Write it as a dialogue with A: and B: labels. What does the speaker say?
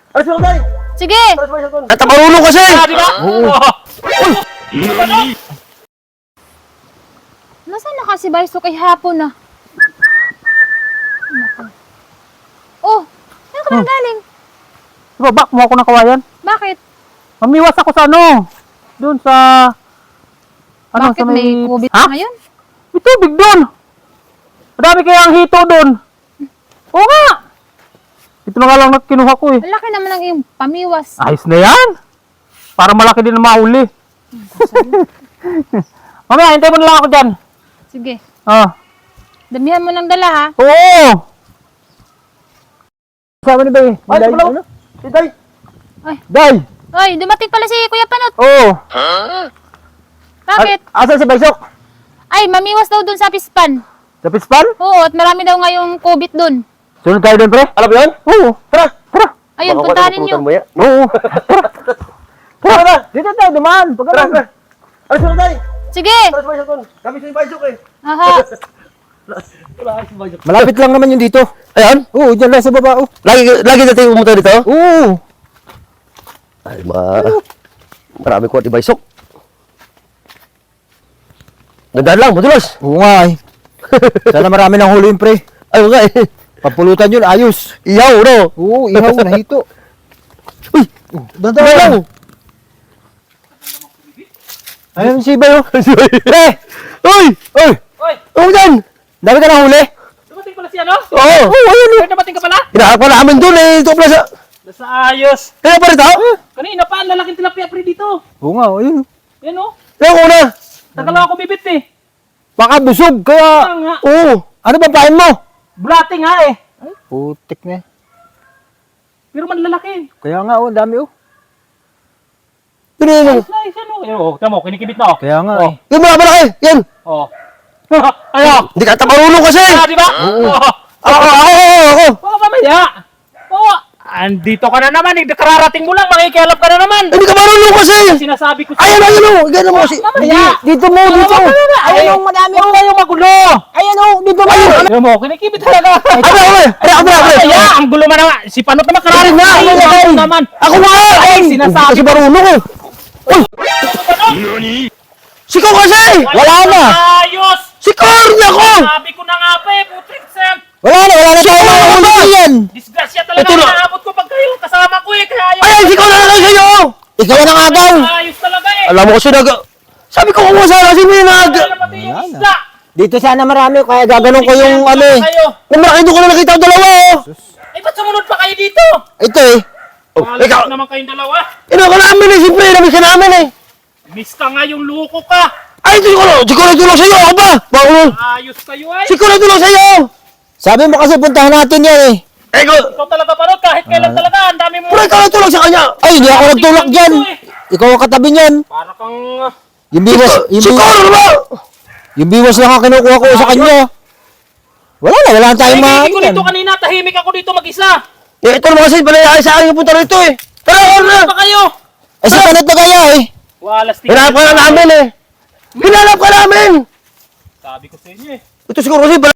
A: Alis mo tayo!
B: Sige!
A: Alis mo yung cellphone!
C: At marunong kasi!
D: Di ba? Oo.
B: Nasaan na kasi ba yung kay hapon na? Oh! Saan ka na galing?
D: Sa baba, kumuha ko ng kawayan.
B: Bakit?
D: Mamiwas ako sa ano? Doon sa... Ano,
B: Bakit
D: sa
B: may COVID
D: Ha?
B: ngayon?
D: May tubig doon! Madami kayang hito doon! Oo nga! Ito na nga lang na kinuha ko eh.
B: Malaki naman ang iyong pamiwas.
D: Ayos na yan! Para malaki din na mahuli. Mamaya, hintay mo na lang ako dyan.
B: Sige.
D: Ah.
B: Damihan mo ng dala ha.
D: Oo! Sama ni Bay.
A: Ay,
D: Day,
A: wala ko!
D: ano?
A: Si Day!
D: Day!
B: Oy, dumating pala si Kuya Panot.
D: Oo!
B: Bakit?
D: Asan si Baysok?
B: Ay, mamiwas daw dun sa Pispan.
D: Sa Pispan?
B: Oo, at marami daw ngayong COVID dun.
D: Sunod tayo doon, pre?
A: Alam mo yun?
D: Oo! Tara! Tara!
B: Ayun,
A: Baka
B: puntahan
A: wala
B: ninyo.
A: pulutan mo yan.
D: Oo!
A: Tara na!
D: Dito tayo, dumaan!
A: Tara!
D: Pagkaroon!
A: Tara! Alis mo tayo!
B: Sige!
A: Alis mo yung cellphone! Kami sa Baysok eh!
B: Aha.
A: Wala alis mo Baysok.
C: Malapit lang naman yun dito. Ayan? Oo, dyan lang sa baba. Oh. Lagi na tayo pumunta dito? Oo. Ay, marami ko at ibaysok. Gandaan lang, madulas.
E: Oo nga eh. Sana marami ng huli yun, pre.
C: Ay, nga eh.
E: Papulutan yun, ayos.
C: Iyaw, no?
E: Oo, ihaw, nahito.
C: Uy!
E: Dandahan lang. Ayun si Bayo.
C: Pre! Uy! Uy!
D: Oy!
C: Ano dyan? Dami ka na huli?
D: Dumating pala si ano?
C: Oo! Oo, ayun eh.
D: Ay, dumating ka pala?
C: Hinahanap pa namin dun eh. Ito pala sa...
D: Nasa ayos.
C: Kaya pa rin tao?
D: Kanina pa, ang lalaking tilapia pre dito.
E: Oo nga, ayun.
D: Yan o.
C: Kaya ko na.
D: Tagal lang ako bibit eh.
E: Baka busog, kaya...
D: Kaya nga.
C: Oo.
E: Ano ba pain mo?
D: Bulate nga eh.
E: Putik na eh.
D: Pero man lalaki.
E: Kaya nga, oh, dami oh.
C: Yun yun.
D: Nice ano. Yan o. Tama mo, kinikibit na o.
E: Kaya nga
D: Oh.
E: eh.
C: Yung mga malaki. Yan.
D: O. Ayo.
C: Hindi ka marunong kasi.
D: Ah, di ba? Oo.
C: Ako.
D: Oo, mamaya. Oo. Andito ka na naman. Kararating mo lang. Makikialap ka na naman.
C: Hindi ka marunong kasi.
D: Sinasabi ko
C: Ayan,
D: sa'yo.
C: ayun o. Gano'n mo kasi.
D: Mamaya.
E: Dito mo, dito.
D: Ayun o, madami. Huwag kayong magulo.
E: Ayan oh, dito mo.
D: Ayun mo, kinikibit talaga.
C: Ako.
D: Mamaya, ang gulo man naman. Si Panot naman karating na.
C: Ay,
D: Ako
C: ay.
D: naman.
C: Ako nga.
D: Ay, sinasabi
C: Kasi marunong eh. Uy! Sikaw kasi!
E: Wala na.
D: Ayos.
C: Sikaw rin ako!
D: Sabi ko na nga pa eh. Putrik Sam.
E: Wala na tayo mga huli yan.
D: Disgrasya talaga
C: Ito na.
D: ang naabot ko pag kayo kasama ko eh. Kaya ayaw.
C: Ay, sikaw na lang sa'yo!
E: Ikaw na nga daw.
D: Ayos talaga eh.
C: Alam mo kasi sabi ko kung sana kasi may
D: Wala pati yung isda.
E: Dito sana marami, kaya gaganon ko yung ano eh.
D: Kayo.
C: Kung malaki doon ko na nakita ang dalawa oh!
D: Ay, ba't sumunod pa kayo dito?
E: Ito eh.
C: Oh, ikaw!
D: Alam naman kayong dalawa.
C: Ino ka namin eh, siyempre, namiss ka namin eh!
D: Miss ka nga yung luko ka.
C: Ay, sikaw na tulong sa'yo! Ako ba? Bakit?
D: Ayos kayo ay.
C: Sikaw na tulong sa'yo!
E: Sabi mo kasi puntahan natin yan eh.
C: Eh,
D: Ikaw talaga Panot. Kahit kailan talaga. Ang dami mo.
C: pero ikaw na tulong sa kanya!
E: Ay, hindi ako nagtulak dyan. Ikaw ang katabi niyan.
D: Para kang...
E: Yung biwas,
C: Sikaw na ba?
E: yung biwas lang ang kinukuha ko sa kanya. Wala na tayong mga
D: Tahimik ko dito kanina. Tahimik ako dito mag-isa.
C: Eh, ito naman kasi palayaan sa akin yung punta rito eh! Tara,
D: Ano
C: na!
D: pa kayo?
E: Eh, sa panat na kaya eh.
D: Walas
C: Hinanap ka na namin eh! Hinanap ka namin!
D: Sabi ko sa inyo eh.
C: Ito siguro kasi